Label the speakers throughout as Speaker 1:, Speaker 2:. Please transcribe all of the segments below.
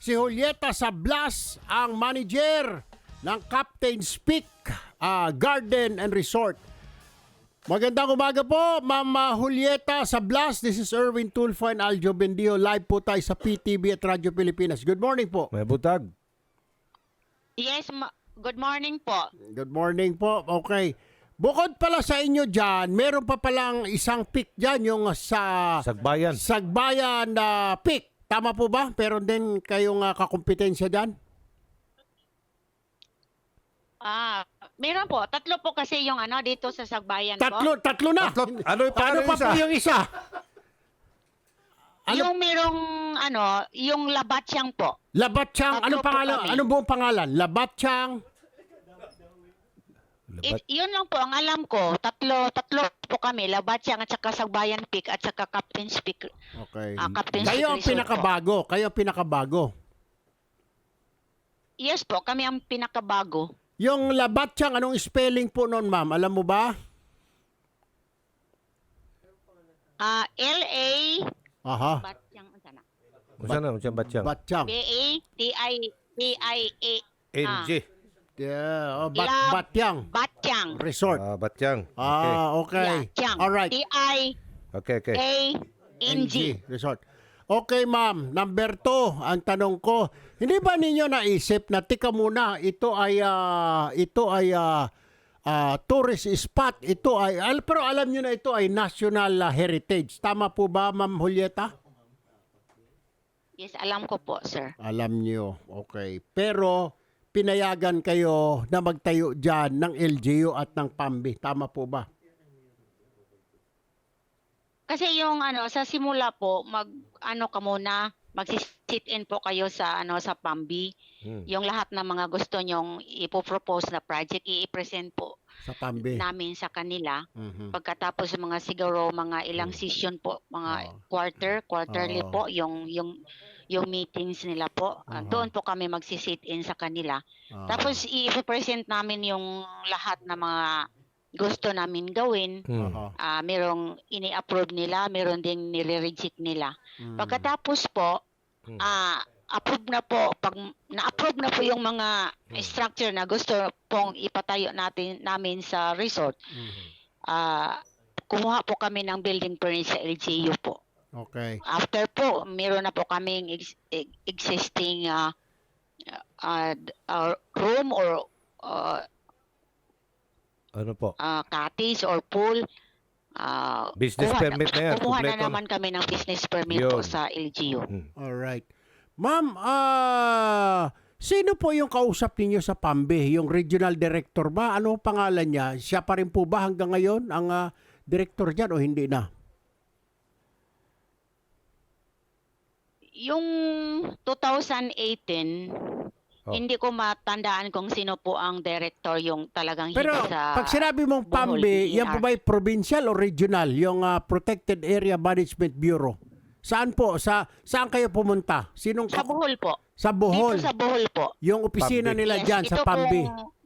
Speaker 1: Si Julieta Sablas, ang manager ng Captain's Peak Garden and Resort. Magandang umaga po, Ma'am Julieta Sablas. This is Erwin Tulfo and Aljo Bendio. Live po tayo sa PTV at Radyo Pilipinas. Good morning po.
Speaker 2: May butag.
Speaker 3: Yes, good morning po.
Speaker 1: Good morning po. Okay. Bukod pala sa inyo dyan, meron pa palang isang peak dyan, yung sa
Speaker 2: Sagbayan.
Speaker 1: Sagbayan na peak. Tama po ba? Pero din kayong kakumpetensya dyan?
Speaker 3: Meron po. Tatlo po kasi yung dito sa Sagbayan po.
Speaker 1: Tatlo na.
Speaker 2: Ano yung
Speaker 1: Paano pa po yung isa? Ano?
Speaker 3: Yung merong yung Labatyang po.
Speaker 1: Labatyang. Anong
Speaker 3: Tatlo po
Speaker 1: pangalan?
Speaker 3: kami.
Speaker 1: Anong buong pangalan? Labatyang.
Speaker 3: Yun lang po ang alam ko. Tatlo po kami. Labatyang at saka Sagbayan Peak at saka Captain's Peak.
Speaker 1: Okay.
Speaker 3: Captain's
Speaker 1: Kayo ang
Speaker 3: Peak Resort
Speaker 1: pinakabago. Kayo ang pinakabago.
Speaker 3: Yes po, kami ang pinakabago.
Speaker 1: Yung Labatyang, anong spelling po noon, ma'am? Alam mo ba?
Speaker 3: L-A
Speaker 1: Aha.
Speaker 3: Batyang sana.
Speaker 2: Unsa batyang?
Speaker 1: Batyang.
Speaker 3: B-A-T-I-A
Speaker 2: NG.
Speaker 1: Yeah.
Speaker 3: Lab-
Speaker 1: Batyang.
Speaker 3: Batyang.
Speaker 1: Resort.
Speaker 2: Batyang. Okay.
Speaker 1: Okay.
Speaker 3: Batyang.
Speaker 1: Alright.
Speaker 2: Okay.
Speaker 3: T-I-A-N-G.
Speaker 1: Resort. Okay, ma'am. Number 2, ang tanong ko, hindi ba ninyo naisip na tika muna, ito ay tourist spot, pero alam niyo na ito ay national heritage. Tama po ba, Ma'am Julieta?
Speaker 3: Yes, alam ko po, sir.
Speaker 1: Alam niyo. Okay. Pero pinayagan kayo na magtayo diyan ng LGU at ng PAMBI. Tama po ba?
Speaker 3: Kasi yung sa simula po, magsi-sit-in po kayo sa sa PAMBI. Yung lahat ng mga gusto nyong ipopropose na project, i-present po
Speaker 1: Sa PAMBI.
Speaker 3: namin sa kanila.
Speaker 1: Mhm.
Speaker 3: Pagkatapos siguro mga ilang session po, mga quarterly
Speaker 1: Oo.
Speaker 3: po yung meetings nila po. Doon po kami magsi-sit-in sa kanila. Tapos i-present namin yung lahat ng mga gusto namin gawin.
Speaker 1: Aha.
Speaker 3: Merong ini-approve nila, meron ding nire-reject nila. Pagkatapos po, approve na po, pag na-approve na po yung mga structure na gusto pong ipatayo namin sa resort, kumuha po kami ng building permit sa LGU po.
Speaker 1: Okay.
Speaker 3: After po, meron na po kaming existing room or
Speaker 2: Ano po?
Speaker 3: cottage or pool.
Speaker 2: Business permit na yan.
Speaker 3: Kumuha na
Speaker 2: Kompleto na.
Speaker 3: naman kami ng business permit po
Speaker 2: Yun.
Speaker 3: sa LGU.
Speaker 1: Alright. Ma'am, sino po yung kausap ninyo sa PAMBI? Yung regional director ba? Ano ang pangalan niya? Siya pa rin po ba hanggang ngayon ang director dyan o hindi na?
Speaker 3: Yung 2018, hindi ko matandaan kung sino po ang director yung talagang
Speaker 1: Pero
Speaker 3: hindi sa
Speaker 1: pag sinabi mong
Speaker 3: Bohol,
Speaker 1: PAMBI, yan po
Speaker 3: BER.
Speaker 1: ba provincial o regional? Yung Protected Area Management Bureau. Saan po? Saan kayo pumunta? Sinong
Speaker 3: Sa Bohol po.
Speaker 1: Sa Bohol.
Speaker 3: Dito sa Bohol po.
Speaker 1: Yung opisina
Speaker 2: PAMBI.
Speaker 1: nila dyan sa PAMBI.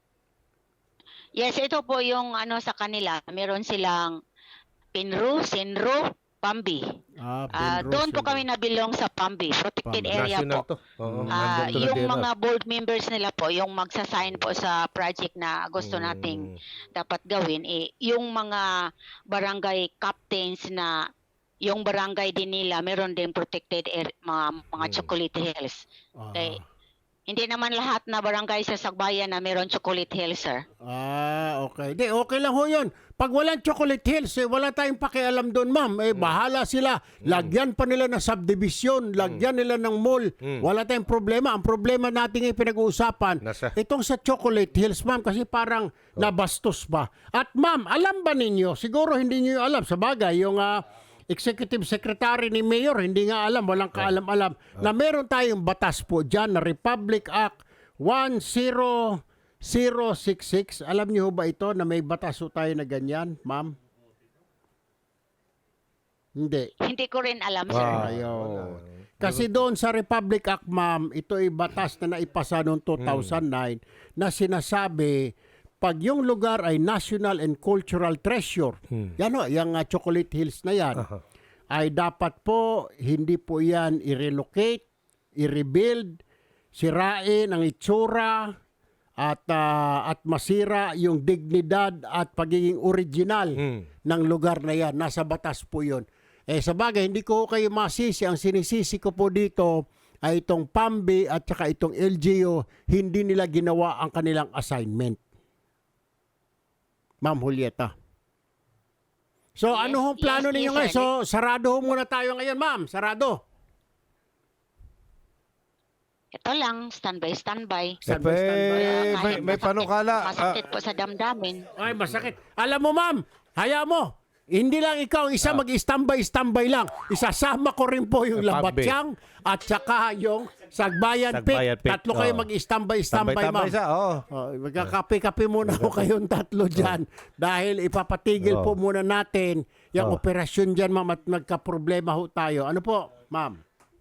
Speaker 3: Yes, ito po yung sa kanila. Meron silang PINRU, SINRU, PAMBI. Doon po kami nabilong sa PAMBI, Protected
Speaker 1: PAMBI.
Speaker 3: Area
Speaker 2: National
Speaker 3: po.
Speaker 2: to. Oo, nandun to na
Speaker 3: Yung
Speaker 2: DNR.
Speaker 3: mga board members nila po, yung magsasign po sa project na gusto nating dapat gawin, yung mga barangay captains na yung barangay din nila, meron din protected area, mga chocolate hills. Okay. Hindi naman lahat na barangay sa Sagbayan na meron chocolate hills, sir.
Speaker 1: Okay. Di, okay lang ho yun. Pag walang Chocolate Hills, wala tayong pakialam doon, ma'am. Bahala sila. Lagyan pa nila ng subdivision, lagyan nila ng mall. Wala tayong problema. Ang problema natin ay pinag-uusapan, itong sa Chocolate Hills, ma'am, kasi parang nabastos ba. At ma'am, alam ba ninyo, siguro hindi niyo alam, sa bagay, yung Executive Secretary ni Mayor, hindi nga alam, walang kaalam-alam, na meron tayong batas po dyan na Republic Act 10066. Alam niyo ba ito na may batas po tayo na ganyan, ma'am? Hindi.
Speaker 3: Hindi ko rin alam, sir.
Speaker 1: Ayaw. Kasi doon sa Republic Act, ma'am, ito ay batas na naipasa noong 2009 na sinasabi pag yung lugar ay national and cultural treasure, yan o, yung Chocolate Hills na yan, ay dapat po, hindi po yan i-relocate, i-rebuild, sirain ang itsura at masira yung dignidad at pagiging original ng lugar na yan. Nasa batas po yun. Sa bagay, hindi ko kayo masisi. Ang sinisisi ko po dito ay itong PAMBI at saka itong LGU, hindi nila ginawa ang kanilang assignment. Ma'am Julieta. So,
Speaker 3: Yes,
Speaker 1: ano hong plano
Speaker 3: yes,
Speaker 1: ninyo
Speaker 3: yes,
Speaker 1: ngayon?
Speaker 3: sir.
Speaker 1: So, sarado ho muna tayo ngayon, ma'am. Sarado.
Speaker 3: Ito lang, standby.
Speaker 1: Standby.
Speaker 2: May panukala.
Speaker 3: Masakit po sa damdamin.
Speaker 1: Ay, masakit. Alam mo, ma'am, haya mo. Hindi lang ikaw ang isa mag-standby lang. Isasama ko rin po yung Labatyang at saka yung Sagbayan
Speaker 2: Sagbayan
Speaker 1: Pit.
Speaker 2: Pit.
Speaker 1: Tatlo kayo mag-standby, ma'am.
Speaker 2: Siya,
Speaker 1: Magkakape-kape muna ako kayong tatlo dyan dahil ipapatigil po muna natin yung operasyon dyan, ma'am, at nagka-problema ho tayo. Ano po, ma'am?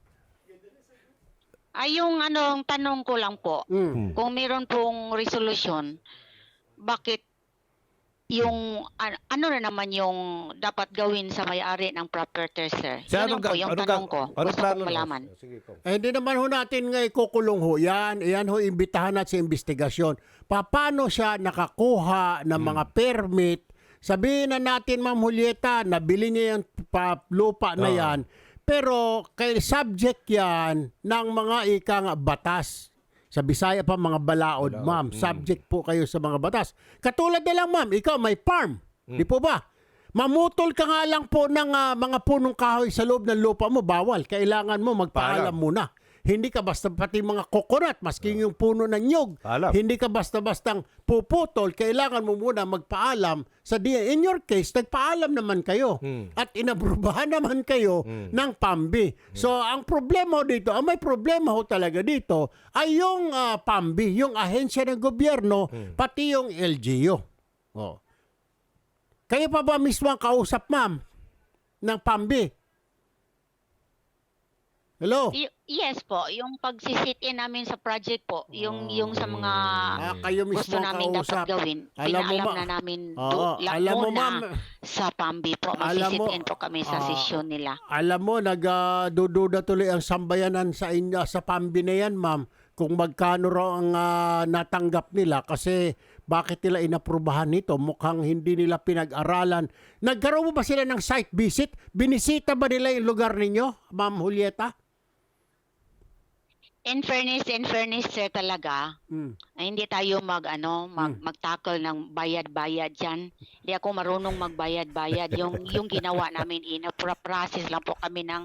Speaker 3: Ay, yung tanong ko lang po, kung meron pong resolution, bakit yung ano na naman yung dapat gawin sa may-ari ng property, sir? Yun lang po yung tanong ko. Gusto kong malaman.
Speaker 1: Hindi naman ho natin nga ikukulong ho yan. Iyan ho, imbitahan natin sa investigasyon. Paano siya nakakuha ng mga permit? Sabihin na natin, Ma'am Julieta, nabili niya yung lupa na yan. Pero kay subject yan ng mga ikang batas. Sa Bisaya pa mga balaod, ma'am. Subject po kayo sa mga batas. Katulad na lang, ma'am, ikaw may farm. Di po ba? Mamutol ka nga lang po ng mga punong kahoy sa loob ng lupa mo, bawal. Kailangan mo magpaalam muna. Hindi ka basta pati mga coconut, maski yung puno ng nyog. Hindi ka basta-bastang puputol. Kailangan mo muna magpaalam sa DA. In your case, nagpaalam naman kayo. At inabrubahan naman kayo ng PAMBI. So, ang problema dito, ang may problema ho talaga dito, ay yung PAMBI, yung ahensya ng gobyerno, pati yung LGU. Kayo pa ba mismo ang kausap, ma'am, ng PAMBI? Hello?
Speaker 3: Yes po, yung pagsisit-in namin sa project po, yung sa mga
Speaker 1: kayo mismo
Speaker 3: gusto
Speaker 1: ang
Speaker 3: namin
Speaker 1: kausap.
Speaker 3: dapat gawin,
Speaker 1: Alam mo,
Speaker 3: pinaalam
Speaker 1: ma-
Speaker 3: na namin
Speaker 1: alam mo, ma'am,
Speaker 3: sa PAMBI po,
Speaker 1: alam mo,
Speaker 3: magsisit-in po kami sa sesyon nila.
Speaker 1: Alam mo, nagdududa tuloy ang sambayanan sa inyo, sa PAMBI na yan, ma'am, kung magkano raw ang natanggap nila kasi bakit nila inaprubahan nito? Mukhang hindi nila pinag-aralan. Nagkaroon mo ba sila ng site visit? Binisita ba nila yung lugar ninyo, Ma'am Julieta?
Speaker 3: In fairness sir talaga, hindi tayo mag-tackle ng bayad-bayad diyan. Hindi ako marunong magbayad-bayad. Yung ginawa namin process lang po kami ng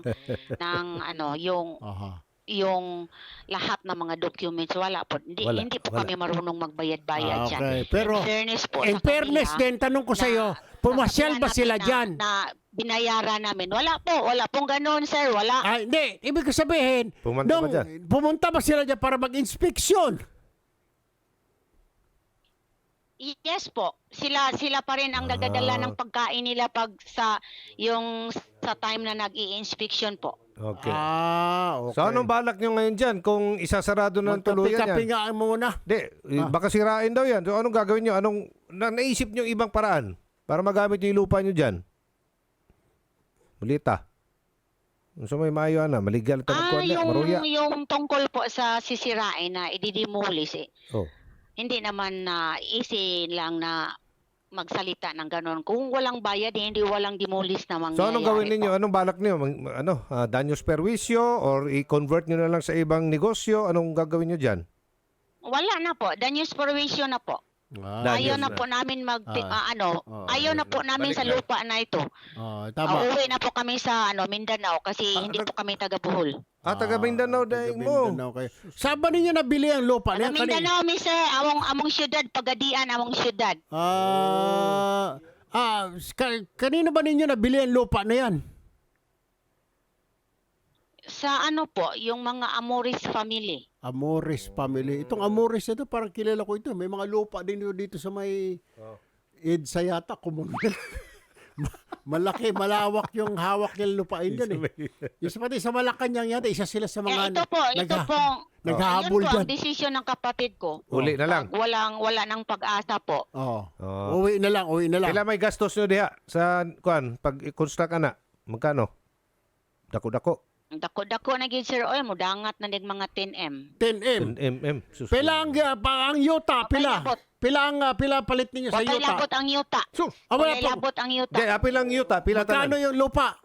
Speaker 3: yung lahat ng mga documents wala po. Hindi po kami marunong magbayad-bayad diyan.
Speaker 1: Okay, pero
Speaker 3: in fairness
Speaker 1: din, tanong ko sa iyo, pumasyal ba sila diyan?
Speaker 3: Na binayaran namin. Wala pong ganoon, sir. Wala.
Speaker 1: Hindi, ibig ko sabihin, pumunta ba sila diyan para mag-inspeksyon?
Speaker 3: Yes po. Sila pa rin ang nagdadala ng pagkain nila pag sa time na nag-i-inspection po.
Speaker 2: Okay.
Speaker 1: Okay.
Speaker 2: So, anong balak nyo ngayon dyan kung isasarado ng tuluyan yan?
Speaker 1: Magkapi-kapi muna.
Speaker 2: Baka sirain daw yan. So, anong gagawin nyo? Naisip nyo ibang paraan para magamit nyo yung lupa nyo dyan? Mulita. So, may maayo na. Maligal maruya.
Speaker 3: Yung tungkol po sa sisirain na ididemolis hindi naman easy lang na magsalita ng gano'n. Kung walang bayad, hindi walang demolish na mangyayari.
Speaker 2: So, anong gawin ninyo? Anong balak nyo? Daños perwisyo or i-convert nyo na lang sa ibang negosyo? Anong gagawin nyo dyan?
Speaker 3: Wala na po. Daños perwisyo na po. Ayaw na po namin ayaw na po namin sa lupa na ito.
Speaker 1: Tama.
Speaker 3: Uuwi na po kami sa Mindanao kasi hindi po kami taga Bohol.
Speaker 2: Taga Mindanao dahil mo.
Speaker 1: Saan ba ninyo nabili ang lupa?
Speaker 3: Taga Mindanao, sir. Among syudad, Pagadian, among syudad.
Speaker 1: Kanino ba ninyo nabili ang lupa na yan?
Speaker 3: Sa yung mga Amores family.
Speaker 1: Amores family. Itong Amores ito, parang kilala ko ito. May mga lupa din dito sa may EDSA yata. Malaki, malawak yung hawak ng lupain dyan Yung pati sa Malacanang yata, isa sila sa mga
Speaker 3: ito po,
Speaker 1: naghahabol
Speaker 3: yun po
Speaker 1: dyan.
Speaker 3: ang desisyon ng kapatid ko.
Speaker 2: Uli na lang.
Speaker 3: Wala nang pag-asa po.
Speaker 1: Uwi na lang.
Speaker 2: Kailan may gastos nyo diha sa pag-construct na? Magkano? Dako-dako.
Speaker 3: Dako-dako na gid sir oy, mudangat na dig mga 10M.
Speaker 1: 10M.
Speaker 2: 10 mm. Sus.
Speaker 1: Pila ang yuta, pila.
Speaker 3: Labot.
Speaker 1: Pila palit ninyo sa
Speaker 3: Patay
Speaker 1: yuta.
Speaker 3: labot ang yuta.
Speaker 2: Sus.
Speaker 1: Wala
Speaker 3: Patay
Speaker 1: pa.
Speaker 3: labot ang yuta.
Speaker 2: Di, apil lang yuta. Pila
Speaker 1: Magkano
Speaker 2: tanan.
Speaker 1: yung lupa?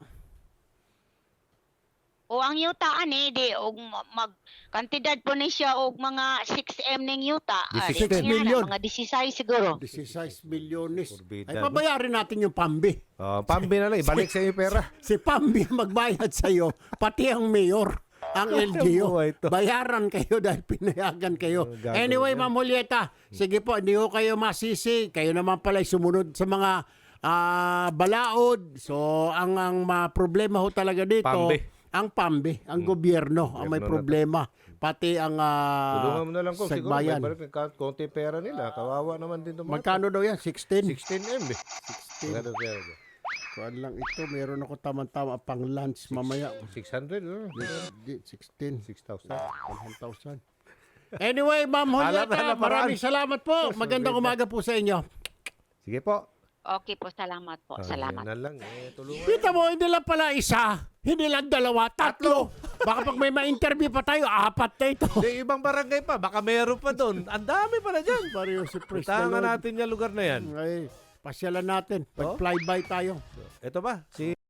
Speaker 3: O ang yuta ani di og mag kantidad po ni siya og mga 6M ning yuta.
Speaker 2: 16
Speaker 3: Nga na,
Speaker 1: million.
Speaker 3: mga 16 siguro.
Speaker 1: 16 milyones.
Speaker 2: Forbidden,
Speaker 1: Ay,
Speaker 2: no?
Speaker 1: pabayarin natin yung Pambi.
Speaker 2: Oh, Pambi na lang. Ibalik sa iyo yung pera.
Speaker 1: Si Pambi ang magbayad sa'yo, pati ang mayor, ang LGU.
Speaker 2: buhay to.
Speaker 1: Bayaran kayo dahil pinayagan kayo.
Speaker 2: Gagawin
Speaker 1: Anyway,
Speaker 2: yan.
Speaker 1: Ma'am Julieta, sige po, hindi ko kayo masisi. Kayo naman pala sumunod sa mga balaod. So, ang problema ho talaga dito,
Speaker 2: Pambi.
Speaker 1: ang Pambi, ang gobyerno, ang may
Speaker 2: Gobyerno na to.
Speaker 1: problema. Pati ang
Speaker 2: Tulungan mo na lang kung siguro. May
Speaker 1: sagbayan.
Speaker 2: balik ng konti pera nila. Kawawa naman din itong mga.
Speaker 1: Magkano daw yan? 16?
Speaker 2: 16 M eh.
Speaker 1: 16.
Speaker 2: Magkano pera?
Speaker 1: Kuan lang ito, meron ako tama-tama pang lunch mamaya.
Speaker 2: 600. Oh.
Speaker 1: 16.
Speaker 2: 6,000.
Speaker 1: 1,000. Anyway, Ma'am
Speaker 2: Hanap
Speaker 1: Julieta,
Speaker 2: na paraan.
Speaker 1: maraming salamat po. Magandang umaga po sa inyo.
Speaker 2: Sige po.
Speaker 3: Okay po, salamat po. Salamat.
Speaker 2: Yan na lang. Tulungan.
Speaker 1: Kita mo, hindi lang pala isa, hindi lang dalawa, tatlo. Baka pag may ma-interview pa tayo, 4 na ito.
Speaker 2: Di, ibang barangay pa. Baka meron pa doon. Ang dami pala dyan.
Speaker 1: Pareho si Praise the
Speaker 2: Puntahan
Speaker 1: Lord.
Speaker 2: natin yung lugar na yan.
Speaker 1: Ay, pasyalan natin. Pag-flyby tayo.
Speaker 2: Ito ba? Si